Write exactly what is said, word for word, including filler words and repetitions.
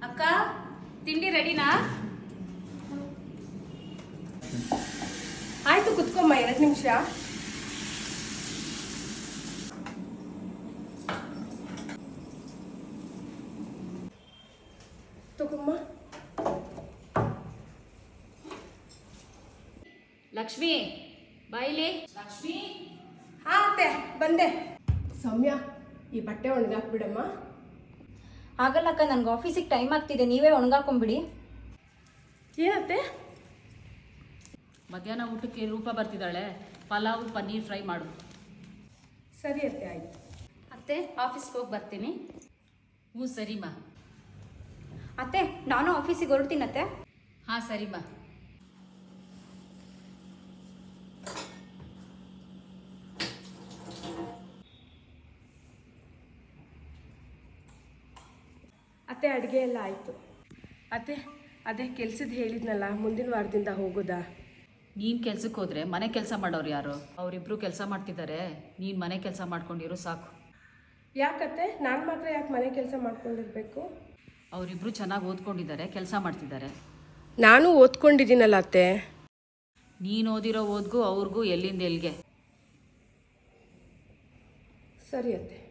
ಅಕ್ಕ ತಿಂಡಿ ರೆಡಿನಾ? ಆಯ್ತು, ಕುತ್ಕೊಮ್ಮ ಎರಡು ನಿಮಿಷ. ತಗೊಮ್ಮ. ಲಕ್ಷ್ಮಿ ಬಾಯಿಲಿ. ಲಕ್ಷ್ಮಿ. ಹಾ ಅತ್ತೆ ಬಂದೆ. ಸೌಮ್ಯ, ಈ ಬಟ್ಟೆ ಒಣಗಾಕ್ಬಿಡಮ್ಮ. ಆಗಲ್ಲಕ್ಕ, ನನ್ಗೆ ಆಫೀಸಿಗೆ ಟೈಮ್ ಆಗ್ತಿದೆ, ನೀವೇ ಒಣಗಾಕೊಂಬಿಡಿ. ಏನತ್ತೆ? ಮಧ್ಯಾಹ್ನ ಊಟಕ್ಕೆ ರೂಪ ಬರ್ತಿದ್ದಾಳೆ, ಪಲಾವ್ ಪನ್ನೀರ್ ಫ್ರೈ ಮಾಡು. ಸರಿ ಅತ್ತೆ, ಆಯ್ತು. ಅತ್ತೆ ಆಫೀಸ್ಗೆ ಹೋಗಿ ಬರ್ತೀನಿ. ಹ್ಞೂ ಸರಿಮಾ. ಅತ್ತೆ ನಾನು ಆಫೀಸಿಗೆ ಹೊರಡ್ತೀನತ್ತೆ. ಹಾಂ ಸರಿಮಾ. ಅತ್ತೆ ಅಡುಗೆ ಎಲ್ಲ ಆಯಿತು. ಅತ್ತೆ ಅದೇ ಕೆಲ್ಸದ ಹೇಳಿದ್ನಲ್ಲ, ಮುಂದಿನ ವಾರದಿಂದ ಹೋಗೋದಾ? ನೀನು ಕೆಲ್ಸಕ್ಕೆ ಹೋದರೆ ಮನೆ ಕೆಲಸ ಮಾಡೋರು ಯಾರು? ಅವರಿಬ್ಬರು ಕೆಲಸ ಮಾಡ್ತಿದ್ದಾರೆ, ನೀನು ಮನೆ ಕೆಲಸ ಮಾಡ್ಕೊಂಡಿರೋ ಸಾಕು. ಯಾಕತ್ತೆ, ನಾನು ಮಾತ್ರ ಯಾಕೆ ಮನೆ ಕೆಲಸ ಮಾಡ್ಕೊಂಡಿರ್ಬೇಕು? ಅವರಿಬ್ಬರು ಚೆನ್ನಾಗಿ ಓದ್ಕೊಂಡಿದ್ದಾರೆ, ಕೆಲಸ ಮಾಡ್ತಿದ್ದಾರೆ. ನಾನು ಓದ್ಕೊಂಡಿದ್ದೀನಲ್ಲ ಅತ್ತೆ. ನೀನು ಓದಿರೋ ಓದ್ಗೂ ಅವ್ರಿಗೂ ಎಲ್ಲಿಂದ ಎಲ್ಲಿಗೆ. ಸರಿ ಅತ್ತೆ.